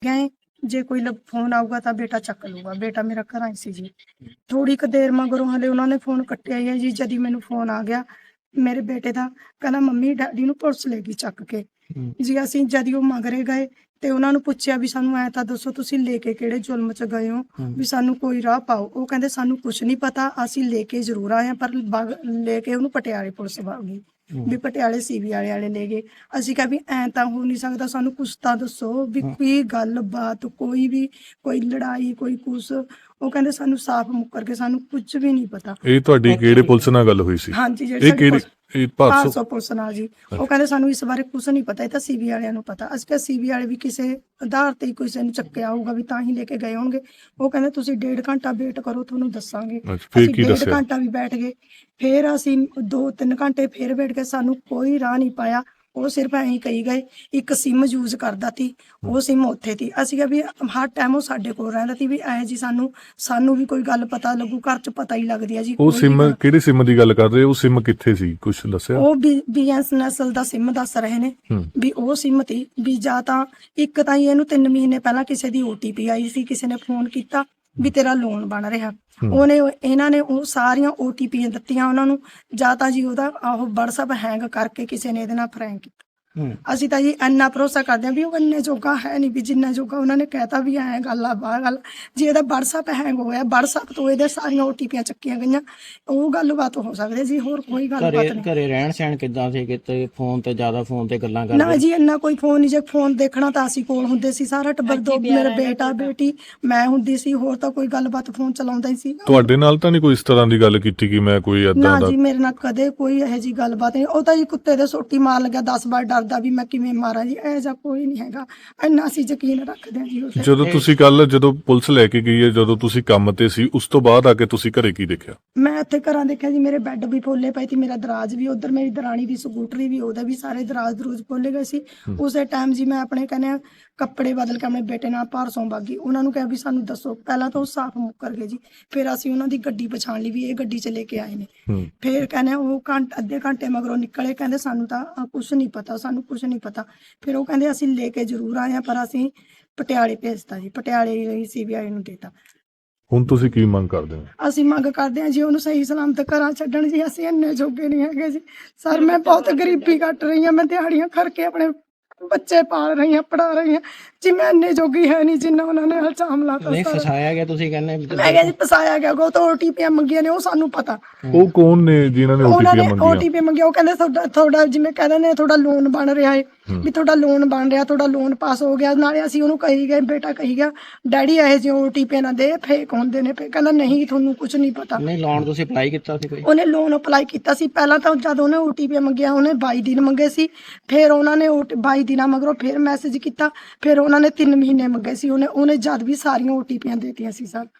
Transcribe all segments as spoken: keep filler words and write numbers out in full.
गए जे कोई लब फोन आऊगा तो बेटा चक लूगा। बेटा मेरा घर आई सी जी। थोड़ी क देर मगरों हले उन्होंने फोन कट्टिया ही है जी। जदी मैनू फोन आ गया मेरे बेटे का, कहना मम्मी डैडी नू पुलिस लेगी चक के जी। असीं जदी वो मगरे गए ते उन्हां नू पुछया भी सानू ऐ तां दसो तुसीं लेके किहड़े जुल्म च गए हो भी सानू कोई राह पाओ। वो कहंदे सानू कुछ नहीं पता, असीं लेके जरूर आए पर बग लेके उहनू पटियाले पुलिस वग गई भी पटियाले सीबी वाले वाले ले गए। ਅਸੀਂ ਕਿਹਾ ਵੀ ਐਂ ਤਾਂ ਹੋ ਨਹੀਂ ਸਕਦਾ, ਸਾਨੂੰ ਕੁਛ ਤਾਂ ਦੱਸੋ ਵੀ ਕੋਈ ਗੱਲ-ਬਾਤ ਕੋਈ ਵੀ ਕੋਈ ਲੜਾਈ ਕੋਈ ਕੁਛ। ਉਹ ਕਹਿੰਦੇ ਸਾਨੂੰ ਸਾਫ਼ ਮੁੱਕਰ ਕੇ ਸਾਨੂੰ ਕੁਝ ਵੀ ਨਹੀਂ ਪਤਾ। ਇਹ ਤੁਹਾਡੀ ਕਿਹੜੇ ਪੁਲਿਸ ਨਾਲ ਗੱਲ ਹੋਈ ਸੀ? ਹਾਂਜੀ ਇਹ ਜਿਹੜੀ ਕਿਹੜੀ ਇਹ ਭਾਰਤ ਸੌ ਪੁਲਿਸ ਨਾਲ ਜੀ। ਉਹ ਕਹਿੰਦੇ ਸਾਨੂੰ ਇਸ ਬਾਰੇ ਕੁਛ ਨਹੀਂ ਪਤਾ, ਇਹ ਤਾਂ ਸੀਬੀ ਵਾਲਿਆਂ ਨੂੰ ਪਤਾ। ਅਸੀਂ ਕਿਹਾ ਸੀਬੀ ਵਾਲੇ ਵੀ ਕਿਸੇ ਆਧਾਰ ਤੇ ਕਿਸੇ ਨੂੰ ਚੱਕਿਆ ਹੋਊਗਾ ਵੀ ਤਾਂ ਹੀ ਲੈ ਕੇ ਗਏ ਹੋਣਗੇ। ਉਹ ਕਹਿੰਦੇ ਤੁਸੀਂ ਡੇਢ ਘੰਟਾ ਵੇਟ ਕਰੋ ਤੁਹਾਨੂੰ ਦੱਸਾਂਗੇ। ਅਸੀਂ ਡੇਢ ਘੰਟਾ ਵੀ ਬੈਠ ਗਏ, ਫਿਰ ਅਸੀਂ ਦੋ ਤਿੰਨ ਘੰਟੇ ਫਿਰ ਵੇਟ ਕੇ ਸਾਨੂੰ ਕੋਈ ਰਾਹ ਨਹੀਂ ਪਾਇਆ। ਉਹ ਸਿਰਫ ਐਂ ਹੀ ਕਹੀ ਗਏ ਇੱਕ ਸਿਮ ਯੂਜ਼ ਕਰਦਾ ਤੀ, ਉਹ ਸਿਮ ਉੱਥੇ ਤੀ। ਅਸੀਂ ਕਿਹਾ ਵੀ ਹਰ ਟਾਈਮ ਉਹ ਸਾਡੇ ਕੋਲ ਰਹਿੰਦਾ ਤੀ ਵੀ ਐ ਜੀ ਸਾਨੂੰ ਸਾਨੂੰ ਵੀ ਕੋਈ ਗੱਲ ਪਤਾ ਲੱਗੂ, ਘਰ ਚ ਪਤਾ ਹੀ ਲੱਗਦੀ ਆ ਜੀ। ਉਹ ਸਿਮ ਕਿਹੜੀ ਸਿਮ ਦੀ ਗੱਲ ਕਰ ਰਹੇ? ਉਹ ਸਿਮ ਕਿੱਥੇ ਸੀ ਕੁਛ ਦੱਸਿਆ? ਉਹ ਬੀਐਸਐਨਐਲ ਦਾ ਸਿਮ ਦੱਸ ਰਹੇ ਨੇ ਵੀ ਉਹ ਸਿਮ ਤੀ ਵੀ ਜਾਂ ਤਾਂ ਇੱਕ ਤਾਂ ਇਹਨੂੰ ਤਿੰਨ ਮਹੀਨੇ ਪਹਿਲਾਂ ਕਿਸੇ ਦੀ ਓਟੀਪੀ ਆਈ ਸੀ, ਕਿਸੇ ਨੇ ਫੋਨ ਕੀਤਾ ਵੀ ਤੇਰਾ ਲੋਨ ਬਣ ਰਿਹਾ। ਉਹਨੇ ਇਹਨਾਂ ਨੇ ਉਹ ਸਾਰੀਆਂ ਓਟੀਪੀਆਂ ਦਿੱਤੀਆਂ ਉਹਨਾਂ ਨੂੰ, ਜਾਂ ਤਾਂ ਜੀ ਉਹਦਾ ਉਹ ਵਟਸਐਪ ਹੈਂਗ ਕਰਕੇ ਕਿਸੇ ਨੇ ਇਹਦੇ ਨਾਲ ਫਰੈਂਕ ਕੀਤਾ। ਅਸੀਂ ਤਾਂ ਜੀ ਇੰਨਾ ਭਰੋਸਾ ਕਰਦੇ ਹਾਂ ਵੀ ਉਹ ਇੰਨੇ ਜੋਗਾ ਹੈ ਨਹੀਂ ਵੀ ਜਿੰਨਾ ਜੋਗਾ ਉਹਨਾਂ ਨੇ ਕਹਿਤਾ ਵੀ ਐਂ ਗੱਲ ਆ ਬਾਹਰ ਗੱਲ। ਜੇ ਇਹਦਾ ਵਟਸਐਪ ਹੈਂਗ ਹੋਇਆ, ਵਟਸਐਪ ਤੋਂ ਇਹਦੇ ਸਾਰੀਆਂ ਓਟੀਪੀਆਂ ਚੱਕੀਆਂ ਗਈਆਂ, ਉਹ ਗੱਲਬਾਤ ਹੋ ਸਕਦੀ ਜੀ, ਹੋਰ ਕੋਈ ਗੱਲਬਾਤ ਨਹੀਂ। ਘਰੇ ਰਹਿਣ ਸਹਿਣ ਕਿੱਦਾਂ ਸੀ? ਕਿਤੇ ਫੋਨ ਤੇ ਜ਼ਿਆਦਾ ਫੋਨ ਤੇ ਗੱਲਾਂ ਕਰਦੇ? ਨਾ ਜੀ ਇੰਨਾ ਕੋਈ ਫੋਨ ਨਹੀਂ। ਜੇ ਫੋਨ ਦੇਖਣਾ ਤਾਂ ਅਸੀਂ ਕੋਲ ਹੁੰਦੇ ਸੀ ਸਾਰਾ ਟੱਬਰ, ਦੋ ਮੇਰਾ ਬੇਟਾ ਬੇਟੀ ਮੈਂ ਹੁੰਦੀ ਸੀ, ਹੋਰ ਤਾਂ ਕੋਈ ਗੱਲਬਾਤ ਫੋਨ ਚਲਾਉਂਦਾ ਹੀ ਸੀ। ਤੁਹਾਡੇ ਨਾਲ ਤਾਂ ਨਹੀਂ ਕੋਈ ਇਸ ਤਰ੍ਹਾਂ ਦੀ ਗੱਲ ਕੀਤੀ ਕਿ ਮੈਂ ਕੋਈ ਏਦਾਂ ਨਾ ਦਾ? ਜੀ ਮੇਰੇ ਨਾਲ ਕਦੇ ਕੋਈ ਇਹੋ ਜੀ ਗੱਲਬਾਤ ਨਹੀਂ। ਉਹ ਤਾਂ ਜੀ ਕੁੱਤੇ ਦੇ ਸੋਟੀ ਮਾਰ ਲੱਗਿਆ ਦਸ ਵਾਰ ਡਰਦਾ ਵੀ ਮੈਂ ਕਿਵੇਂ ਮਾਰਾਂ ਜੀ, ਇਹੋ ਜਿਹਾ ਕੋਈ ਨਹੀਂ ਹੈਗਾ। ਇੰਨਾ ਅਸੀਂ ਯਕੀਨ ਰੱਖਦੇ ਹਾਂ ਜੀ। ਜਦੋਂ ਤੁਸੀਂ ਕੱਲ ਜਦੋਂ ਪੁਲਿਸ ਲੈ ਕੇ ਗਈ ਹੈ, ਜਦੋਂ ਤੁਸੀਂ ਕੰਮ ਤੇ ਸੀ, ਉਸ ਤੋਂ ਬਾਅਦ ਆ ਕੇ ਤੁਸੀਂ ਘਰੇ ਕੀ ਦੇਖਿਆ? ਮੈਂ ਇੱਥੇ ਘਰਾਂ ਦੇਖਿਆ ਜੀ, ਮੇਰੇ ਬੈੱਡ ਵੀ ਫੋਲੇ ਪਏ ਸੀ, ਮੇਰਾ ਦਰਾਜ ਵੀ, ਉਧਰ ਮੇਰੀ ਦਰਾਣੀ ਦੀ ਸਕੂਟਰੀ ਵੀ, ਉਹਦੇ ਵੀ ਸਾਰੇ ਦਰਾਜ ਦਰੂਜ ਫੋਲੇ ਗਏ ਸੀ। ਉਸੇ ਟਾਈਮ ਜੀ ਮੈਂ ਆਪਣੇ ਕਹਿੰਦੇ ਕੱਪੜੇ ਬਦਲ ਕੇ ਆਪਣੇ ਬੇਟੇ ਨਾਲ ਭਾਰਸੋਂ ਬਾਗੀ। ਉਹਨਾਂ ਨੂੰ ਕਿਹਾ ਵੀ ਸਾਨੂੰ ਦੱਸੋ। ਪਹਿਲਾਂ ਤਾਂ ਉਹ ਸਾਫ਼ ਮੁੱਕਰ ਗਏ ਜੀ, ਫਿਰ ਅਸੀਂ ਉਹਨਾਂ ਦੀ ਗੱਡੀ ਪਛਾਣ ਲਈ ਵੀ ਇਹ ਗੱਡੀ 'ਚ ਲੈ ਕੇ ਆਏ ਨੇ। ਫਿਰ ਕਹਿੰਦੇ ਉਹ ਘੰਟੇ ਅੱਧੇ ਘੰਟੇ ਮਗਰੋਂ ਨਿਕਲੇ, ਕਹਿੰਦੇ ਸਾਨੂੰ ਤਾਂ ਕੁਛ ਨਹੀਂ ਪਤਾ, ਸਾਨੂੰ ਕੁਛ ਨਹੀਂ ਪਤਾ। ਫਿਰ ਉਹ ਕਹਿੰਦੇ ਅਸੀਂ ਲੈ ਕੇ ਜ਼ਰੂਰ ਆਏ ਹਾਂ ਪਰ ਅਸੀਂ ਪਟਿਆਲੇ ਭੇਜਤਾ ਜੀ, ਪਟਿਆਲੇ ਸੀਬੀਆਈ ਨੂੰ ਦੇਤਾ। ਹੁਣ ਤੁਸੀਂ ਕੀ ਮੰਗ ਕਰਦੇ ਹੋ? ਅਸੀਂ ਮੰਗ ਕਰਦੇ ਹਾਂ ਜੀ ਉਹਨੂੰ ਸਹੀ ਸਲਾਮਤ ਘਰਾਂ ਛੱਡਣ ਜੀ। ਅਸੀਂ ਇੰਨੇ ਜੋਗੇ ਨਹੀਂ ਹੈਗੇ ਜੀ ਸਰ। ਮੈਂ ਬਹੁਤ ਗਰੀਬੀ ਕੱਟ ਰਹੀ ਹਾਂ, ਮੈਂ ਦਿਹਾੜੀਆਂ ਕਰਕੇ ਆਪਣੇ ਬੱਚੇ ਪਾਲ ਰਹੀ ਹਾਂ, ਪੜਾ ਰਹੀ ਹਾਂ ਜੀ। ਮੈਂ ਇੰਨੇ ਜੋਗੀ ਹੈ ਨਹੀਂ ਜਿੰਨਾ ਉਹਨਾਂ ਨੇ ਇਲਜ਼ਾਮ ਲਾਤਾ। ਨਹੀਂ ਫਸਾਇਆ ਗਿਆ ਤੁਸੀਂ ਕਹਿੰਦੇ? ਮੈਂ ਕਿਹਾ ਜੀ ਫਸਾਇਆ ਗਿਆ। ਉਹ ਤਾਂ ਓਟੀਪੀਆਂ ਮੰਗੀਆਂ ਨੇ, ਉਹ ਸਾਨੂੰ ਪਤਾ। ਉਹ ਕੌਣ ਨੇ ਜਿਨ੍ਹਾਂ ਨੇ ਉਹਨਾਂ ਨੇ ਓਟੀਪੀ ਮੰਗੀਆਂ? ਓਟੀਪੀ ਮੰਗਿਆ। ਉਹ ਕਹਿੰਦੇ ਤੁਹਾਡਾ ਤੁਹਾਡਾ ਜਿਵੇਂ ਕਹਿੰਦੇ ਨੇ ਤੁਹਾਡਾ ਲੋਨ ਬਣ ਰਿਹਾ ਹੈ ਵੀ ਤੁਹਾਡਾ ਲੋਨ ਬਣ ਰਿਹਾ, ਤੁਹਾਡਾ ਲੋਨ ਪਾਸ ਹੋ ਗਿਆ। ਨਾਲੇ ਅਸੀਂ ਉਹਨੂੰ ਕਹੀ ਗਏ, ਬੇਟਾ ਕਹੀ ਗਿਆ ਡੈਡੀ ਇਹੋ ਜਿਹੇ ਓਟੀਪੀ ਨਾ ਦੇ, ਫੇਕ ਹੁੰਦੇ ਨੇ। ਫਿਰ ਕਹਿੰਦਾ ਨਹੀਂ ਤੁਹਾਨੂੰ ਕੁਝ ਨਹੀਂ ਪਤਾ। ਨਹੀਂ ਲੋਨ ਤੁਸੀਂ ਅਪਲਾਈ ਕੀਤਾ ਸੀ ਕੋਈ? ਉਹਨੇ ਲੋਨ ਅਪਲਾਈ ਕੀਤਾ ਸੀ ਪਹਿਲਾਂ ਤਾਂ, ਜਦ ਉਹਨੇ ਓਟੀਪੀ ਮੰਗਿਆ ਉਹਨੇ ਬਾਈ ਦਿਨ ਮੰਗੇ ਸੀ। ਫਿਰ ਉਹਨਾਂ ਨੇ ਬਾਈ ਦਿਨਾਂ ਮਗਰੋਂ ਫਿਰ ਮੈਸੇਜ ਕੀਤਾ, ਫਿਰ ਉਹਨਾਂ ਨੇ ਤਿੰਨ ਮਹੀਨੇ ਮੰਗੇ ਸੀ। ਉਹਨੇ ਉਹਨੇ ਜਦ ਵੀ ਸਾਰੀਆਂ ਓਟੀਪੀਆਂ ਦੇਤੀਆਂ ਸੀ ਸਰ।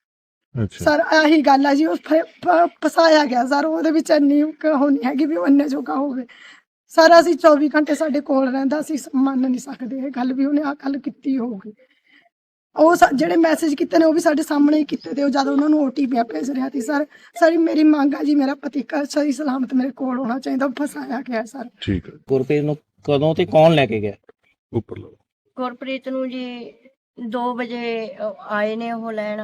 ਸਰ ਆਹੀ ਗੱਲ ਆ ਜੀ, ਉਹ ਫਸਾਇਆ ਗਿਆ ਸਰ। ਉਹਦੇ ਵਿੱਚ ਇੰਨੀ ਉਹ ਨਹੀਂ ਹੈਗੀ ਵੀ ਉਹ ਇੰਨੇ ਜੋਗਾ ਹੋਵੇ ਸਰ। ਅਸੀਂ ਚੌਵੀ ਘੰਟੇ ਸਾਡੇ ਕੋਲ ਰਹਿੰਦਾ, ਅਸੀਂ ਮੰਨ ਨਹੀਂ ਸਕਦੇ ਇਹ ਗੱਲ ਵੀ ਉਹਨੇ ਆਹ ਗੱਲ ਕੀਤੀ ਹੋਊਗੀ। ਉਹ ਜਿਹੜੇ ਮੈਸੇਜ ਕੀਤੇ ਨੇ ਉਹ ਵੀ ਸਾਡੇ ਸਾਹਮਣੇ ਹੀ ਕੀਤੇ ਤੇ, ਉਹ ਜਦ ਉਹਨਾਂ ਨੂੰ ਓਟੀਪੀ ਭੇਜ ਰਿਹਾ ਸੀ ਸਰ। ਸਾਰੀ ਮੇਰੀ ਮੰਗ ਆ ਜੀ, ਮੇਰਾ ਪਤੀ ਸਹੀ ਸਲਾਮਤ ਮੇਰੇ ਕੋਲ ਹੋਣਾ ਚਾਹੀਦਾ, ਫਸਾਇਆ ਗਿਆ ਸਰ। ਠੀਕ ਹੈ। ਗੁਰਪ੍ਰੀਤ ਨੂੰ ਕਦੋਂ ਤੇ ਕੌਣ ਲੈ ਕੇ ਗਿਆ? ਉੱਪਰ ਲਓ। ਗੁਰਪ੍ਰੀਤ ਨੂੰ ਜੀ ਦੋ ਵਜੇ ਆਏ ਨੇ ਉਹ ਲੈਣ,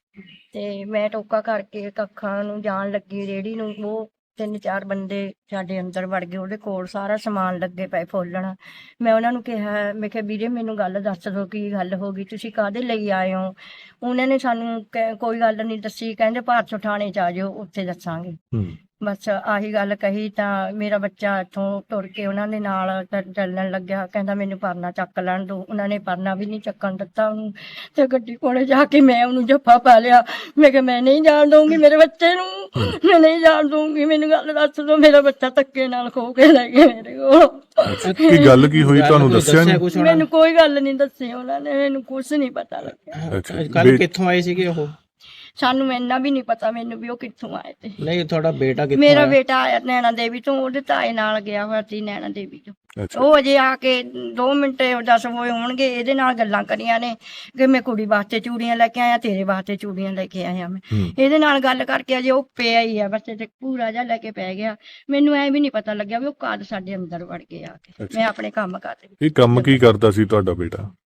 ਤੇ ਮੈਂ ਟੋਕਾ ਕਰਕੇ ਕੱਖਾਂ ਨੂੰ ਜਾਣ ਲੱਗੀ ਰੇਹੜੀ ਨੂੰ। ਉਹ ਤਿੰਨ ਚਾਰ ਬੰਦੇ ਸਾਡੇ ਅੰਦਰ ਵੜ ਗਏ, ਉਹਦੇ ਕੋਲ ਸਾਰਾ ਸਮਾਨ ਲੱਗੇ ਪਏ ਫੋਲਣ। ਮੈਂ ਉਹਨਾਂ ਨੂੰ ਕਿਹਾ, ਮੈਂ ਕਿਹਾ ਵੀਰੇ ਮੈਨੂੰ ਗੱਲ ਦੱਸ ਦਿਓ ਕੀ ਗੱਲ ਹੋ ਗਈ, ਤੁਸੀਂ ਕਾਹਦੇ ਲਈ ਆਏ ਹੋ? ਉਹਨਾਂ ਨੇ ਸਾਨੂੰ ਕੋਈ ਗੱਲ ਨਹੀਂ ਦੱਸੀ, ਕਹਿੰਦੇ ਭਾਰਤ ਥਾਣੇ 'ਚ ਆ ਜਾਓ ਉੱਥੇ ਦੱਸਾਂਗੇ। ਬਸ ਆਹੀ ਗੱਲ ਕਹੀ ਤਾਂ ਮੇਰਾ ਬੱਚਾ ਇੱਥੋਂ ਤੁਰ ਕੇ ਉਹਨਾਂ ਦੇ ਨਾਲ ਚੱਲਣ ਲੱਗਿਆ। ਕਹਿੰਦਾ ਮੈਨੂੰ ਪਰਨਾ ਚੱਕ ਲੈਣ ਦਿਓ। ਉਹਨਾਂ ਨੇ ਪਰਨਾ ਵੀ ਨਹੀਂ ਚੱਕਣ ਦਿੱਤਾ ਉਹਨੂੰ, ਤੇ ਗੱਡੀ ਕੋਲੇ ਜਾ ਕੇ ਮੈਂ ਉਹਨੂੰ ਜੱਫਾ ਪਾ ਲਿਆ। ਮੈਂ ਕਿਹਾ ਮੈਂ ਨਹੀਂ ਜਾਣ ਦਊਂਗੀ ਮੇਰੇ ਬੱਚੇ ਨੂੰ, ਮੈਂ ਨਹੀਂ ਜਾਣ ਦਊਂਗੀ, ਮੈਨੂੰ ਗੱਲ ਦੱਸ ਦਿਓ। ਮੇਰਾ ਬੱਚਾ ਧੱਕੇ ਨਾਲ ਖੋ ਕੇ ਲੈ ਗਏ ਮੇਰੇ ਕੋਲ। ਕੀ ਗੱਲ ਕੀ ਹੋਈ ਤੁਹਾਨੂੰ ਦੱਸਿਆ ਨਹੀਂ? ਮੈਨੂੰ ਕੋਈ ਗੱਲ ਨਹੀਂ ਦੱਸੀ ਉਹਨਾਂ ਨੇ, ਮੈਨੂੰ ਕੁਛ ਨਹੀਂ ਪਤਾ ਲੱਗਿਆ। ਕੱਲ ਕਿੱਥੋਂ ਆਏ ਸੀਗੇ ਉਹ? ਸਾਨੂੰ ਇੰਨਾ ਵੀ ਨਹੀਂ ਪਤਾ ਮੈਨੂੰ ਵੀ ਉਹ ਕਿੱਥੋਂ ਆਏ ਤੇ। ਨਹੀਂ ਤੁਹਾਡਾ ਬੇਟਾ ਕਿੱਥੋਂ? ਮੇਰਾ ਬੇਟਾ ਆਇਆ ਨੈਣਾ ਦੇਵੀ ਤੋਂ, ਉਹਦੇ ਤਾਏ ਨਾਲ ਗਿਆ ਹੋਇਆ ਸੀ ਨੈਣਾ ਦੇਵੀ ਤੋਂ। ਉਹ ਅਜੇ ਆ ਕੇ ਦੋ ਮਿੰਟ ਦਸ ਹੋਏ ਹੋਣਗੇ, ਇਹਦੇ ਨਾਲ ਗੱਲਾਂ ਕਰੀਆਂ ਨੇ ਕਿ ਮੈਂ ਕੁੜੀ ਵਾਸਤੇ ਚੂੜੀਆਂ ਲੈ ਕੇ ਆਇਆ, ਤੇਰੇ ਵਾਸਤੇ ਚੂੜੀਆਂ ਲੈ ਕੇ ਆਇਆ। ਮੈਂ ਇਹਦੇ ਨਾਲ ਗੱਲ ਕਰਕੇ ਅਜੇ ਉਹ ਪਿਆ ਹੀ ਆ ਬੱਚੇ ਤੇ ਪੂਰਾ ਜਿਹਾ ਲੈ ਕੇ ਪੈ ਗਿਆ। ਮੈਨੂੰ ਐ ਵੀ ਨਹੀਂ ਪਤਾ ਲੱਗਿਆ ਵੀ ਉਹ ਕਦ ਸਾਡੇ ਅੰਦਰ ਵੜ ਕੇ ਆ ਕੇ। ਮੈਂ ਆਪਣੇ ਕੰਮ ਕਰ ਰਹੀ। ਇਹ ਕੰਮ ਕੀ ਕਰਦਾ ਸੀ ਤੁਹਾਡਾ ਬੇਟਾ?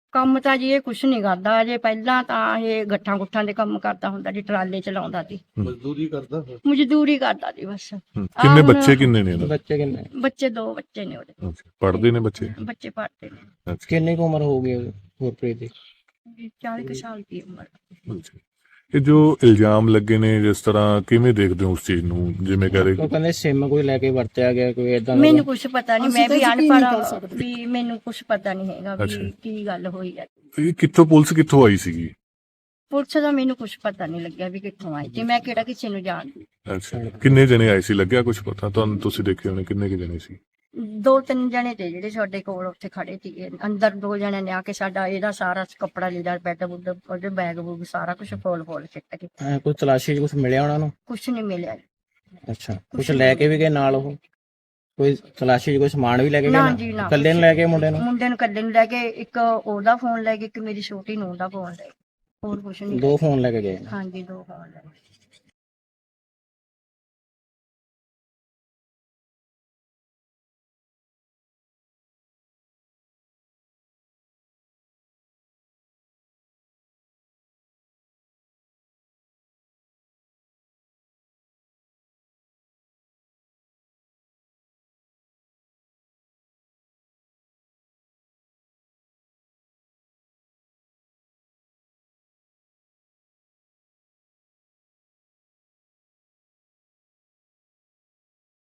ਕੰਮ ਤਾਂ ਜੀ ਇਹ ਕੁਛ ਨਹੀਂ ਕਰਦਾ ਅਜੇ, ਪਹਿਲਾਂ ਤਾਂ ਇਹ ਗੱਠਾਂ ਗੁੱਠਾਂ ਦੇ ਕੰਮ ਕਰਦਾ ਹੁੰਦਾ ਜੀ, ਟਰਾਲੇ ਚਲਾਉਂਦਾ ਸੀ, ਮਜ਼ਦੂਰੀ ਕਰਦਾ ਫਿਰ। ਮਜ਼ਦੂਰੀ ਕਰਦਾ ਸੀ ਬਸ। ਹੂੰ। ਕਿੰਨੇ ਹੁਣ- ਬੱਚੇ ਕਿੰਨੇ ਨੇ ਇਹਨਾਂ ਦੇ? ਬੱਚੇ ਕਿੰਨੇ ਬੱਚੇ ਦੋ ਬੱਚੇ ਨੇ ਉਹਦੇ, ਅੱਛਾ, ਪੜ੍ਹਦੇ ਨੇ ਬੱਚੇ? ਬੱਚੇ ਪੜ੍ਹਦੇ ਨੇ। ਅੱਛਾ ਕਿੰਨੀ ਕੁ ਉਮਰ ਹੋ ਗਈ ਗੁਰਪ੍ਰੀਤ ਦੀ? ਚਾਲੀ ਕੁ ਸਾਲ ਦੀ ਉਮਰ। ਅੱਛਾ। ਇਹ ਜੋ ਇਲਜ਼ਾਮ ਲੱਗੇ ਨੇ, ਜਿਸ ਤਰ੍ਹਾਂ ਕਿਵੇਂ ਦੇਖਦੇ ਹੋ ਉਸ ਚੀਜ਼ ਨੂੰ? ਜਿਵੇਂ ਕਹ ਰਹੇ ਉਹ ਕਹਿੰਦੇ ਸਿਮ ਕੋਈ ਲੈ ਕੇ ਵਰਤਿਆ ਗਿਆ, ਕੋਈ ਏਦਾਂ ਮੈਨੂੰ ਕੁਛ ਪਤਾ ਨਹੀਂ, ਅਸੀਂ ਮੈਂ ਤਾਂ ਵੀ ਯਕੀਨ ਨਹੀਂ ਕਰ ਅਨਪੜ੍ਹ ਸਕਦੇ। ਵੀ ਮੈਨੂੰ ਕੁਛ ਪਤਾ ਨਹੀਂ ਹੈਗਾ ਅੱਛਾ। ਵੀ ਕੀ ਗੱਲ ਹੋਈ ਹੈ। ਇਹ ਕਿੱਥੋਂ ਪੁਲਿਸ ਕਿੱਥੋਂ ਆਈ ਸੀਗੀ? ਪੁਲਿਸ ਦਾ ਮੈਨੂੰ ਕੁਛ ਪਤਾ ਨਹੀਂ ਲੱਗਿਆ ਵੀ ਕਿੱਥੋਂ ਆਈ ਤੇ ਮੈਂ ਕਿਹੜਾ ਕਿਸੇ ਨੂੰ ਜਾਣਦੀ। ਅੱਛਾ, ਕਿੰਨੇ ਜਣੇ ਆਏ ਸੀ, ਲੱਗਿਆ ਕੁਝ ਪਤਾ ਤੁਹਾਨੂੰ? ਤੁਸੀਂ ਦੇਖੇ ਹੋਣੇ, ਕਿੰਨੇ ਕੁ ਜਣੇ ਸੀ? ਦੋ ਤਿੰਨ ਜਣੇ ਤੇ ਜਿਹੜੇ ਸਾਡੇ ਕੋਲ ਉੱਥੇ ਖੜੇ ਸੀਗੇ, ਅੰਦਰ ਦੋ ਜਣੇ ਨੇ ਆ ਕੇ ਸਾਡਾ ਇਹਦਾ ਸਾਰਾ ਕੱਪੜਾ ਲੀੜਾ ਬੈੱਡ ਬੁੱਡ ਉਹਦੇ ਬੈਗ ਬੂਗ ਸਾਰਾ ਕੁਝ ਫੋਲ ਫੋਲ ਸਿੱਟ ਕੇ। ਐਂ ਕੋਈ ਤਲਾਸ਼ੀ 'ਚ ਕੁਝ ਮਿਲਿਆ ਉਹਨਾਂ ਨੂੰ? ਕੁਛ ਨਹੀਂ ਮਿਲਿਆ। ਅੱਛਾ, ਕੁਝ ਲੈ ਕੇ ਵੀ ਗਏ ਨਾਲ? ਉਹ ਕੋਈ ਤਲਾਸ਼ੀ 'ਚ ਕੋਈ ਸਮਾਨ ਵੀ ਲੈ ਕੇ ਗਏ ਨਾ ਨਾਲ? ਜੀ ਨਾ, ਇਕੱਲੇ ਨੂੰ ਲੈ ਕੇ ਮੁੰਡੇ ਨੂੰ? ਮੁੰਡੇ ਨੂੰ ਇਕੱਲੇ ਨੂੰ ਲੈ ਕੇ, ਇੱਕ ਉਹਦਾ ਫੋਨ ਲੈ ਕੇ, ਇੱਕ ਮੇਰੀ ਛੋਟੀ ਨੂੰਹ ਦਾ ਫੋਨ ਲੈ ਕੇ, ਹੋਰ ਕੁਛ ਨਹੀਂ। ਦੋ ਫੋਨ ਲੈ ਕੇ ਗਏ? ਹਾਂਜੀ ਦੋ ਫੋਨ ਲੈ ਕੇ।